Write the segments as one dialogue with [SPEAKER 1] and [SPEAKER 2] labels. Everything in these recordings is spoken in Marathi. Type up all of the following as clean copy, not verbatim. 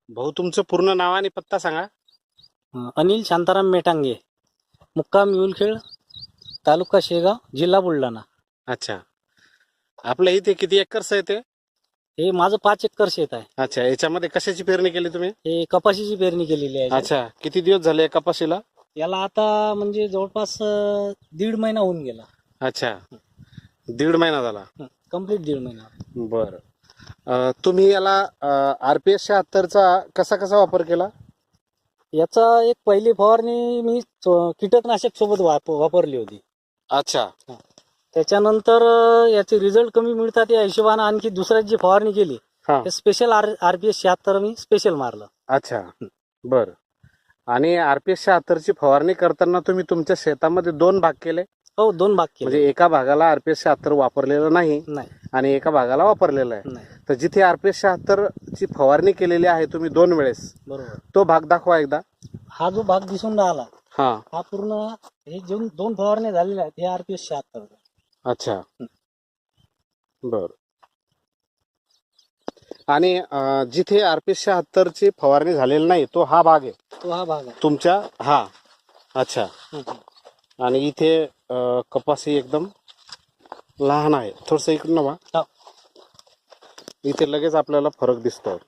[SPEAKER 1] भाऊ तुमचं पूर्ण नाव आणि पत्ता सांगा.
[SPEAKER 2] अनिल शांताराम मेटांगे, मुक्काम युलखेड, तालुका शेगाव, जिल्हा बुलढाणा.
[SPEAKER 1] अच्छा, आपल्या इथे किती एकर्स आहे ते?
[SPEAKER 2] हे माझं 5 एकर शेत आहे.
[SPEAKER 1] अच्छा, याच्यामध्ये कशाची पेरणी केली तुम्ही?
[SPEAKER 2] हे कपाशीची पेरणी केलेली आहे.
[SPEAKER 1] अच्छा, किती दिवस झाले या कपाशीला?
[SPEAKER 2] याला आता म्हणजे जवळपास 1.5 महिना होऊन गेला.
[SPEAKER 1] अच्छा, 1.5 महिना झाला.
[SPEAKER 2] कंप्लीट 1.5 महिना.
[SPEAKER 1] बर, तुम्ही याला RPS 76चा कसा कसा वापर केला?
[SPEAKER 2] याचा एक पहिली फवारणी मी कीटकनाशक सोबत वापरली होती.
[SPEAKER 1] अच्छा,
[SPEAKER 2] त्याच्यानंतर याचे रिझल्ट कमी मिळतात या हिशोबाने आणखी दुसऱ्याची फवारणी केली.
[SPEAKER 1] हा,
[SPEAKER 2] स्पेशल RPS 76 मी स्पेशल मारलं.
[SPEAKER 1] अच्छा, बर. आणि RPS 76ची फवारणी करताना तुम्ही तुमच्या शेतामध्ये 2 भाग केले?
[SPEAKER 2] हो, 2 भाग केले.
[SPEAKER 1] म्हणजे एका भागाला RPS 76 वापरलेलं नाही
[SPEAKER 2] नाही
[SPEAKER 1] आणि एका भागाला वापरलेलं आहे.
[SPEAKER 2] नाही
[SPEAKER 1] तर जिथे RPS 76ची फवारणी केलेली आहे तुम्ही 2 वेळेस,
[SPEAKER 2] बरोबर.
[SPEAKER 1] तो भाग दाखवा एकदा.
[SPEAKER 2] हा जो भाग दिसून राहिला
[SPEAKER 1] हा,
[SPEAKER 2] हा पूर्ण हे जे 2 फवारणी झालेल्या आहेत हे RPS 76.
[SPEAKER 1] अच्छा, बर. आणि जिथे RPS 76ची फवारणी झालेली नाही तो हा भाग आहे
[SPEAKER 2] तो हा भाग आहे.
[SPEAKER 1] तुमच्या. हा, अच्छा.
[SPEAKER 2] हम्म.
[SPEAKER 1] आणि इथे कपासी एकदम लहान आहे. थोडस इकडून बघा,
[SPEAKER 2] हो.
[SPEAKER 1] इथे लगेच आपल्याला फरक दिसतोय.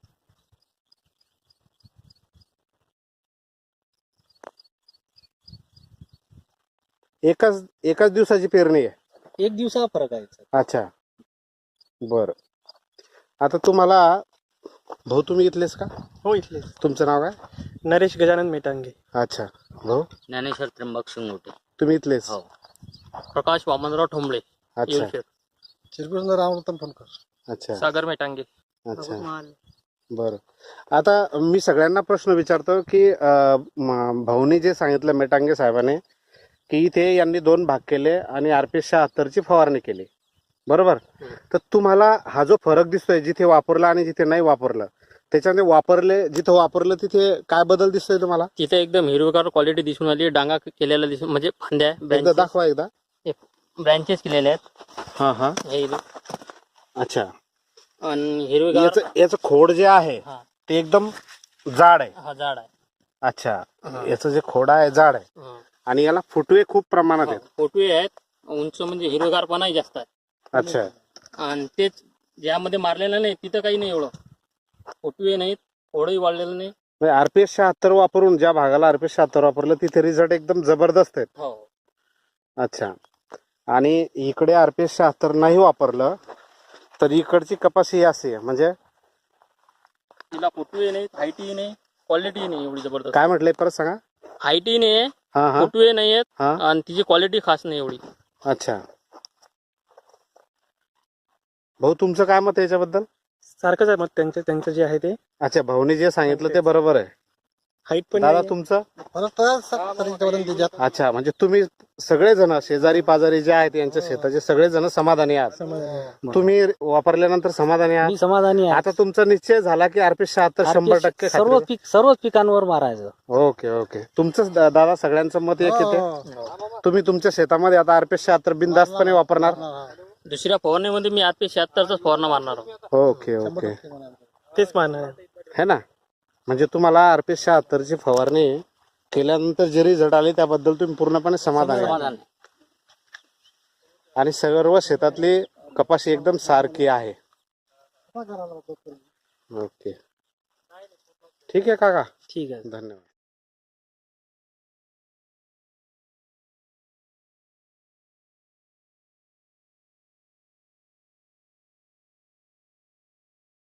[SPEAKER 1] एकाच दिवसाची पेरणी आहे.
[SPEAKER 2] 1 दिवसा फरक आहे.
[SPEAKER 1] अच्छा, बर. आता तुम्हाला भाऊ तुम्ही इथलेच का?
[SPEAKER 3] हो, इथले.
[SPEAKER 1] तुमचं नाव काय?
[SPEAKER 3] नरेश गजानन मेटांगे.
[SPEAKER 1] अच्छा, भाऊ
[SPEAKER 4] ज्ञानेश्वर त्र्यंबक शिंगोटे.
[SPEAKER 1] तुम्ही इथलेच?
[SPEAKER 4] हो. प्रकाश वामनराव ठोंबळे.
[SPEAKER 1] अच्छा,
[SPEAKER 4] येऊरखेड.
[SPEAKER 3] चिरकुंद रामरतन फोनकर.
[SPEAKER 1] अच्छा,
[SPEAKER 4] सागर मेटांगे.
[SPEAKER 1] अच्छा, बर. आता मी सगळ्यांना प्रश्न विचारतो की भाऊनी जे सांगितलं मेटांगे साहेबांनी की इथे यांनी 2 भाग केले आणि RPS 76ची फवारणी केली, बरोबर? तर तुम्हाला हा जो फरक दिसतोय जिथे वापरला आणि जिथे नाही वापरलं, त्याच्यामध्ये जिथे वापरलं तिथे काय बदल दिसतोय तुम्हाला?
[SPEAKER 4] तिथे एकदम हिरवीगार क्वालिटी दिसून आली. डांगा केलेला दिसून म्हणजे फांद्या
[SPEAKER 1] एकदा दाखवा एकदा.
[SPEAKER 4] ब्रँचेस केलेले आहेत.
[SPEAKER 1] हा हा,
[SPEAKER 4] हे
[SPEAKER 1] अच्छा.
[SPEAKER 4] आणि हिरवीगार
[SPEAKER 1] याचं खोड जे आहे
[SPEAKER 4] हा.
[SPEAKER 1] ते एकदम जाड आहे.
[SPEAKER 4] हा झाड आहे.
[SPEAKER 1] अच्छा, याचं जे खोड आहे जाड आहे
[SPEAKER 4] हा.
[SPEAKER 1] आणि याला फुटवे खूप प्रमाणात आहेत.
[SPEAKER 4] फोटवे आहेत. उंच म्हणजे हिरवीगारपणाही जास्त आहे.
[SPEAKER 1] अच्छा,
[SPEAKER 4] आणि तेच ज्यामध्ये मारलेलं नाही तिथं काही नाही एवढं. फोटवे नाहीत, फोडही वाढलेलं नाही.
[SPEAKER 1] RPS 76 वापरून ज्या भागाला RPS 76 वापरलं तिथे रिझल्ट एकदम जबरदस्त आहेत.
[SPEAKER 4] हो.
[SPEAKER 1] अच्छा, आणि इकडे RPS 76 नाही वापरलं तर इकडची कपाशी अशी आहे. म्हणजे
[SPEAKER 4] तिला फोटवे नाहीत, हाईटही नाही, क्वालिटी नाही एवढी जबरदस्त.
[SPEAKER 1] काय म्हटलंय परत सांगा.
[SPEAKER 4] हाईटही नाही,
[SPEAKER 1] हा हा
[SPEAKER 4] फोटवे नाही आहेत
[SPEAKER 1] हा,
[SPEAKER 4] आणि तिची क्वालिटी खास नाही एवढी.
[SPEAKER 1] अच्छा. भाऊ तुमचं काय मत आहे याच्याबद्दल?
[SPEAKER 3] सारखंच आहे मग त्यांचं जे आहे ते.
[SPEAKER 1] अच्छा, भाऊनी जे सांगितलं ते बरोबर आहे.
[SPEAKER 3] हाईट पण
[SPEAKER 1] दादा
[SPEAKER 3] नाही.
[SPEAKER 1] तुमचं?
[SPEAKER 3] परत
[SPEAKER 1] अच्छा, म्हणजे तुम्ही सगळेजण शेजारी पाजारी जे आहेत यांच्या शेताचे सगळेजण समाधानी आहात. तुम्ही वापरल्यानंतर समाधानी आहात?
[SPEAKER 2] मी समाधानी आहे.
[SPEAKER 1] आता तुमचा निश्चय झाला की RPS 76 100%
[SPEAKER 2] सर्वच पिकांवर मारायचं.
[SPEAKER 1] Okay okay. तुमचं दादा सगळ्यांचं मत एक येते. तुम्ही तुमच्या शेतामध्ये आता RPS 76 बिनधास्तपणे वापरणार?
[SPEAKER 4] दुसऱ्या फवारणीमध्ये मी RPS 76च फवारणा मारणार आहोत.
[SPEAKER 1] ओके ओके,
[SPEAKER 3] तेच मानणार.
[SPEAKER 1] है ना. म्हणजे तुम्हाला RPS 76ची फवारणी केल्यानंतर जे रिझल्ट आले त्याबद्दल तुम्ही पूर्णपणे समाधानी आहात.
[SPEAKER 4] समाधान.
[SPEAKER 1] आणि सर्व शेतातली कपाशी एकदम सारखी आहे. ओके, ठीक आहे काका,
[SPEAKER 2] ठीक आहे.
[SPEAKER 1] धन्यवाद.